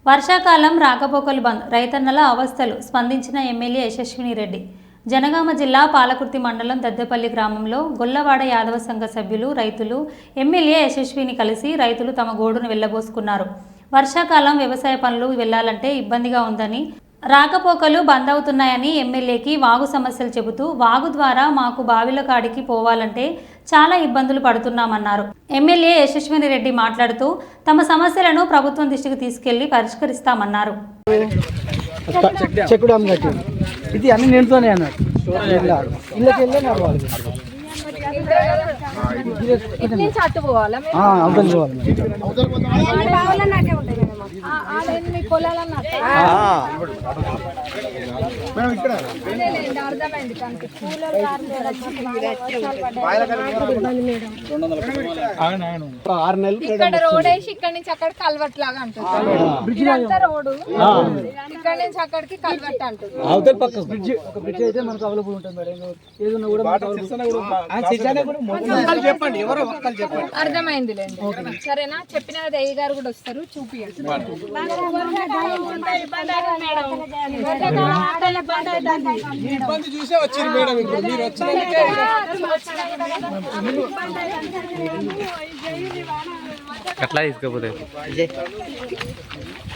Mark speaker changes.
Speaker 1: వర్షాకాలం రాకపోకలు బంద్, రైతన్నల అవస్థలు స్పందించిన ఎమ్మెల్యే యశస్విని రెడ్డి. జనగామ జిల్లా పాలకుర్తి మండలం దద్దెపల్లి గ్రామంలో గొల్లవాడ యాదవ సంఘ సభ్యులు, రైతులు ఎమ్మెల్యే యశస్విని కలిసి రైతులు తమ గోడును వెళ్లబోసుకున్నారు. వర్షాకాలం వ్యవసాయ పనులు వెళ్లాలంటే ఇబ్బందిగా ఉందని, రాకపోకలు బంద్ అవుతున్నాయని ఎమ్మెల్యేకి వాగు సమస్యలు చెబుతూ, వాగు ద్వారా మాకు బావిల కాడికి పోవాలంటే చాలా ఇబ్బందులు పడుతున్నామన్నారు. ఎమ్మెల్యే యశస్విని రెడ్డి మాట్లాడుతూ తమ సమస్యలను ప్రభుత్వం దృష్టికి తీసుకెళ్లి పరిష్కరిస్తామన్నారు.
Speaker 2: ఇది అన్ని నిండుతోనే అన్నారు.
Speaker 3: ఇక్కడ రోడ్ వేసి ఇక్కడ నుంచి అక్కడ కల్వర్ట్ లాగా అంటుంది. రోడ్డు ఇక్కడ నుంచి అక్కడికి కల్వర్ట్ అంటుంది.
Speaker 2: బ్రిడ్జ్ అయితే మనకు అవైలబుల్ ఉంటుంది మేడం. ఏదైనా కూడా
Speaker 3: అర్థమైందిలేండి. సరేనా, చెప్పిన అయ్య గారు కూడా వస్తారు, చూపియండి.
Speaker 4: చూసే వచ్చింది మేడం. ఇప్పుడు మీరు వచ్చినందుకే
Speaker 5: అట్లా తీసుకోపోతే